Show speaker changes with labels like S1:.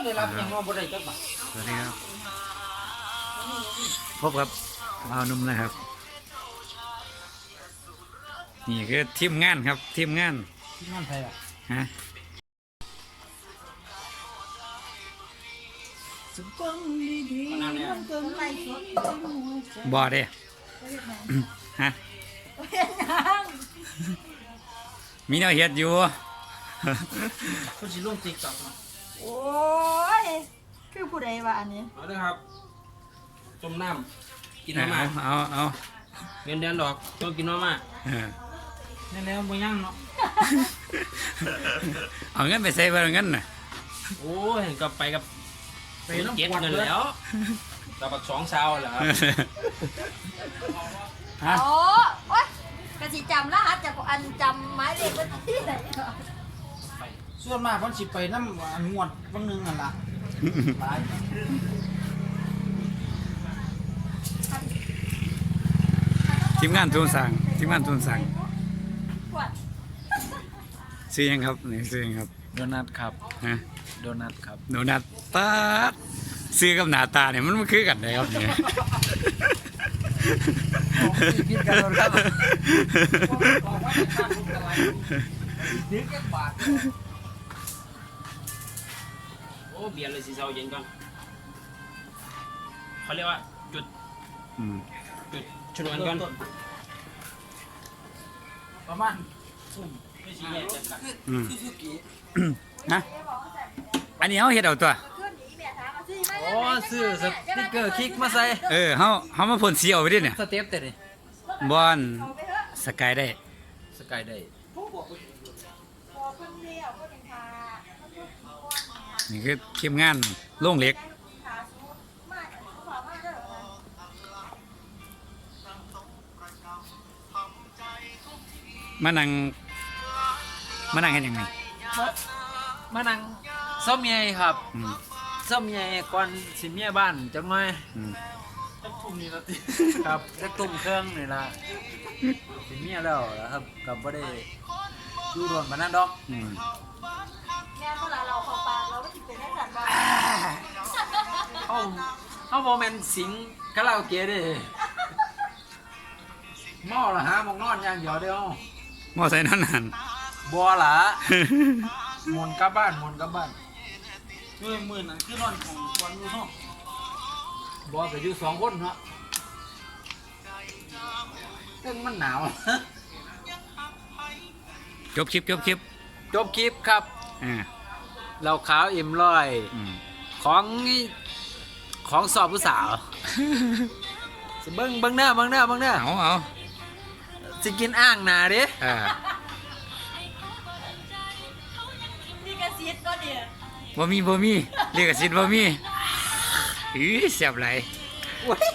S1: เลยรับยังว่าบ่ได้จักบาท
S2: สวัสดีครับพบกับบ่าวหนุ่มนะครับนี่คือทีมงานครับทีมงาน
S1: ที่งานไทยอ่ะ
S2: ฮะ
S1: สุดต้องดีๆมันเกินไปสด
S2: บ่เด้ฮะมีแนวเฮ็ดอยู่
S1: คุณสิลง TikTok เนาะ
S3: โอ้ย คือผู้ใดวะอันนี้
S1: เอาเด้อครับจมน้ำกิน
S2: เอา
S1: มาม่า
S2: เอา
S1: เงินเดือนดอกต้องกินมาม่า
S2: เออ
S1: แน่แล้วบ่ยังเนาะ
S2: เอาเงินไปใส่บ่เงินน่ะ
S1: โอ้ยเห็นกับไปกับ
S4: ไปน้ำ
S1: เก็บ
S4: กวด
S1: เงิน
S4: เลย
S1: แล้วกับบัก2ซาวแหละครับ
S2: ฮะ
S3: โอ้ยกะสิจำรหัสจากอันจำหมายเลขบัญชีไหนเหรอ
S4: ส่วนมากเพิ่นสิไปน้ำอันงวดบางนึงนั่นล่ะหลาย
S2: ทีมงานทุนสั่งทีมงานทุนสั่ง
S3: ขวด
S2: ซื้อยังครับนี่ซื้อยังครับ
S4: โดนัทครับ
S2: ฮะ
S4: โดนัทครับ
S2: โดนัทตาดซื้อกับหน้าตาเนี่ยมันคือกันได้ครับเนี่ย
S4: คิดกันครับ
S1: นึกบาทโอ้เบียร์เลยสิเซาเย็นก่อนเขาเรียกว่าจุด
S2: อืม
S1: ชนวนก่อน
S4: ประมาณ
S1: ไม่ใช่แยกกัน
S2: อืมฮะอันนี้เขาเฮ็ดเอาตัว
S3: ขึ้นอีแม่ถามมาสิมา
S4: โอ้ซื้อสติ๊กเกอร์คลิกมาใส่
S2: เขามาพ่นสีเอาไปดิเนี่ย
S4: สเต็ปแต่นี่
S2: บอล
S3: เอาไปเถอะ
S2: สกายได้
S4: สกายได้
S3: พอเพิ่งเลี้ยวก็เป็นทา
S2: นี่คือทีมงานโรงเหล็ก
S3: ขาสูงมากเขาบอกมากเด้อนะ
S2: มานั่งเห็นยังไง
S4: มานั่งซ่อมใหญ่ครับ
S2: อืม
S4: ซ่อมใหญ่ก่อนสิเมียบ้านจังหน่อย
S2: อืม
S1: ทุ่มนี้แล้วติ
S4: ครับจะตุ่มเครื่องนี่ล่ะสิเมียแล้วนะครับกับบ่ได้อยู่โดนปานนั้นดอก
S2: อืม
S3: แม่เวลาเราเข้าปากเราก็ติดเป็นได้สันว่า
S4: เขาบ่แม่นสิงคาราโอเกะเด้เมาละหาหมองนอนอย่างเดียวเดียว
S2: มอไซค์นั่นนั่น
S4: บัวละหมุนกลับบ้านหมุนกลับบ้าน
S1: ด้วยมือนั้นคือนอนของควันอยู่เนาะ
S4: บัวก็อยู่2คนเนาะซึ่งมันหนาว
S2: จบคลิป
S4: จบคลิปครับ
S2: อ่า
S4: เราขาวอิ่มร้อย
S2: อืม
S4: ของสอบผู้สาวสิเบิ่งหน้าเบิ่งหน้า
S2: เอา
S4: สิกินอ่างหนาเด้
S2: อ่า
S3: นี่กระซิดก็เดี๋ยว
S2: บ่มีเรียกสิทธิ์บ่มีอื้อแซ่บหลาย
S4: โอ้ย